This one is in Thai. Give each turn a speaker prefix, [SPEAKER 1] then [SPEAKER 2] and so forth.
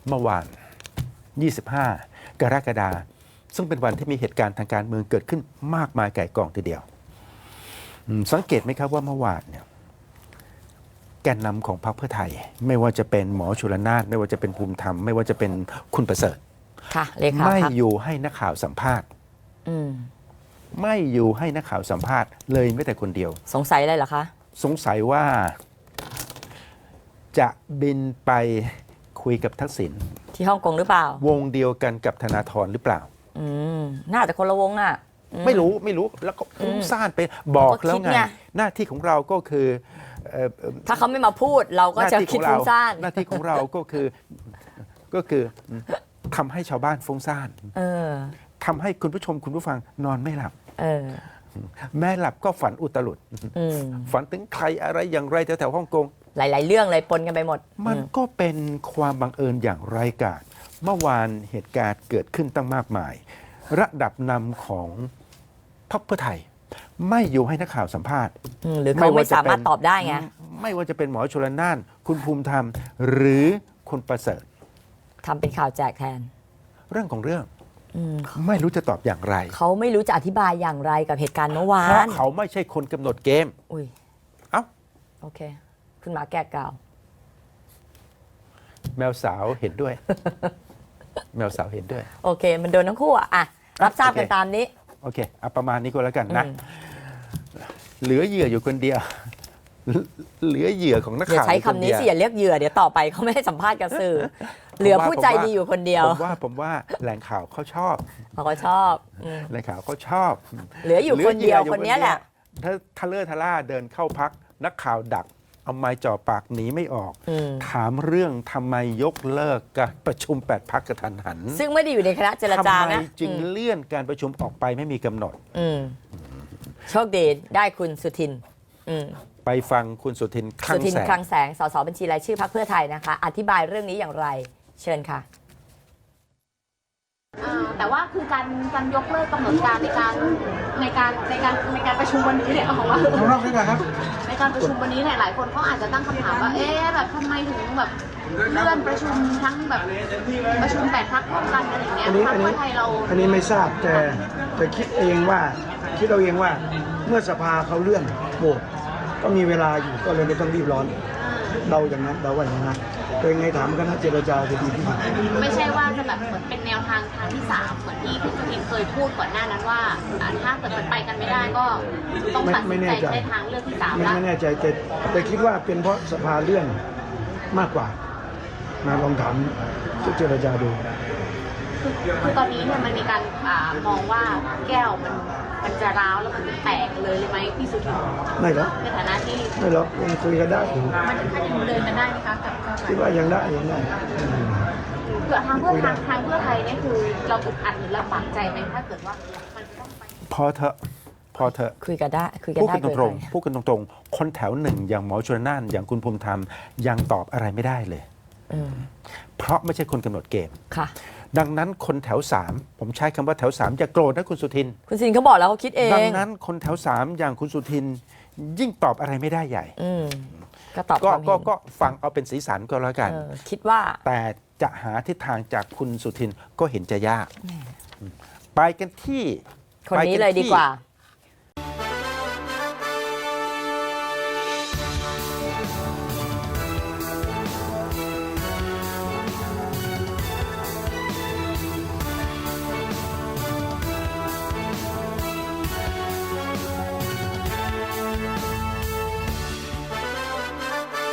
[SPEAKER 1] เมื่อวาน 25 กรกฎาคมซึ่งเป็นวันที่มีเหตุการณ์ทางการเมืองเกิดขึ้นมากมายไก่กองทีเดียวสังเกตไหมครับว่าเมื่อวานเนี่ยแกนนำของพรรคเพื่อไทยไม่ว่าจะเป็นหมอชลนานไม่ว่าจะเป็นภูมิธรรมไม่ว่าจะเป็นคุณประเสริฐ
[SPEAKER 2] ค่ะเลขา
[SPEAKER 1] ไม่อยู่ให้นักข่าวสัมภาษณ์ไม่อยู่ให้นักข่าวสัมภาษณ์เลยแม้แต่คนเดียว
[SPEAKER 2] สงสัยอะไรเหรอคะ
[SPEAKER 1] สงสัยว่าจะบินไปคุยกับทักษิณ
[SPEAKER 2] ที่ฮ่องกงหรือเปล่าว
[SPEAKER 1] งเดียวกันกับธนาธรหรือเปล่า
[SPEAKER 2] น่าจะคนละวงอ่ะ
[SPEAKER 1] ไม่รู้แล้วก็ฟุ้งซ่านไปบอกแล้วไงหน้าที่ของเราก็คือ
[SPEAKER 2] ถ้าเขาไม่มาพูดเราก็จะคิดฟุ้งซ่าน
[SPEAKER 1] หน้าที่ของเราก็คือทำให้ชาวบ้านฟุ้งซ่านทำให้คุณผู้ชมคุณผู้ฟังนอนไม่หลับแม่หลับก็ฝันอุตลุดฝันถึงใครอะไรอย่างไรแถวๆฮ่องกง
[SPEAKER 2] หลายๆเรื่องเลยปนกันไปหมด
[SPEAKER 1] มันก็เป็นความบังเอิญอย่างไร้กาศเมื่อวานเหตุการณ์เกิดขึ้นตั้งมากมายระดับนำของพรรคเพื่อไทยไม่อยู่ให้นักข่าวสัมภาษณ์
[SPEAKER 2] หรือเขาไม่สามารถตอบได้ไง
[SPEAKER 1] ไม่ว่าจะเป็นหมอชลน่านคุณภูมิธรรมหรือคุณประเสริฐ
[SPEAKER 2] ทำเป็นข่าวแจกแทน
[SPEAKER 1] เรื่องของเรื่องไม่รู้จะตอบอย่างไร
[SPEAKER 2] เขาไม่รู้จะอธิบายอย่างไรกับเหตุการณ์เมื่อวาน
[SPEAKER 1] เพราะเขาไม่ใช่คนกำหนดเกม
[SPEAKER 2] อุ้ยโอเคคุณหมาแก้กล่าว
[SPEAKER 1] แมวสาวเห็นด้วย แมวสาวเห็นด้วย
[SPEAKER 2] โอเคมันโดนทั้งคู่อ่ะรับทราบกันตามนี้
[SPEAKER 1] โอเคประมาณนี้ก็แล้วกันนะเหลือเหยื่ออยู่คนเดียวเหลือเหยื่อของนักข่าว
[SPEAKER 2] อย่าใช้คำนี้สิอย่าเรียกเหยื่อเดี๋ยวต่อไปเขาไม่ให้สัมภาษณ์กับสื่อเหลือผู้ใจดีอยู่คนเดียว
[SPEAKER 1] ผมว่าแหล่งข่าวเขาชอบ
[SPEAKER 2] เขาชอบ
[SPEAKER 1] แหล่งข่าวเขาชอบ
[SPEAKER 2] เหลืออยู่คนเดียวคนนี้แหละ
[SPEAKER 1] ถ้าทะเลทะล่าเดินเข้าพักนักข่าวดักเอาไม้จ่อปากหนีไม่ออกถามเรื่องทำไมยกเลิกการประชุม8 พรรคกระทันหัน
[SPEAKER 2] ซึ่งไม่ได้อยู่ในคณะเจรจานะ
[SPEAKER 1] ทำไมจึงเลื่อนการประชุมออกไปไม่มีกำหนด
[SPEAKER 2] โชคดีได้คุณสุทิน
[SPEAKER 1] ไปฟังคุณสุทินคลัง
[SPEAKER 2] แสงสสบัญชีรายชื่อพรรคเพื่อไทยนะคะอธิบายเรื่องนี้อย่างไรเชิญค่ะ
[SPEAKER 3] แต่ว่าคือการยกเลิกกำหนดการในการประชุมวันนี้เนี่ยของว่าในการประชุมวันนี้เนี่ยหลายคนเขาอาจจะตั้งคำถามว่าแบบทำไมถึงแบบเลื่อนประชุมทั้งแบบประชุม8 พรรคพร้อมกันอะไรอย่างเงี้ยพรรคเพื่อไทยเรา
[SPEAKER 4] อันนี้ไม่ทราบแต่คิดเอาเองว่าเมื่อสภาเขาเลื่อนโหวตก็มีเวลาอยู่ก็เลยไม่ต้องรีบร้อนเดาอย่างนั้นเดาว่าอย่างนั้นโดยไงถามคณะเจรจาจะดีที่สุด
[SPEAKER 3] ไม่ใช่ว่าจะแบบเหมือนเป็นแนวทางที่3เหมือนที่คุณสุทินเคยพูดก่อนหน้านั้นว่าถ้าเกิดมันไปกันไม่ได้ก็ต้องตัดสินใจใช้ทางเลือกที่3แล้ว
[SPEAKER 4] ไม่แน่ใจแต่คิดว่าเป็นเพราะสภาเลื่อนมากกว่าลองถามเจรจาดู
[SPEAKER 3] คือตอนนี้เนี่ยมันมีการมองว่าแก้วมันจะร้าวแล้วมันจะแตกเลยไหมพี่สุทิน
[SPEAKER 4] ไม่หรอก
[SPEAKER 3] ในฐานะที่
[SPEAKER 4] ไม่หรอกยังคุยกันได้
[SPEAKER 3] มันถึงขั้นยังเดินกันได้ไหมคะกับ
[SPEAKER 4] คิดว่ายังได้
[SPEAKER 3] เกิดทางเพื่อไทยเนี่ยคือเราอึดอัดหรือลำบากใจไหมถ้าเกิดว่ามันจะต้องไป
[SPEAKER 1] พอเถอะ
[SPEAKER 2] คุยกันได้
[SPEAKER 1] พูดกันตรงคนแถวหนึ่งอย่างหมอชลน่านอย่างคุณภูมิธรรมยังตอบอะไรไม่ได้เลยเพราะไม่ใช่คนกำหนดเกม
[SPEAKER 2] ค่ะ
[SPEAKER 1] ดังนั้นคนแถว3ผมใช้คำว่าแถว3อย่าโกรธนะคุณสุทิน
[SPEAKER 2] เขาบอกแล้วเขาคิดเอง
[SPEAKER 1] ดังนั้นคนแถว3อย่างคุณสุทินยิ่งตอบอะไรไม่ได้ใหญ่
[SPEAKER 2] ก็ตอบ
[SPEAKER 1] ก็ฟังเอาเป็นสีสันก็แล้วกัน
[SPEAKER 2] คิดว่า
[SPEAKER 1] แต่จะหาทิศทางจากคุณสุทินก็เห็นจะยากไปกันที่
[SPEAKER 2] คนนี้เลยดีกว่า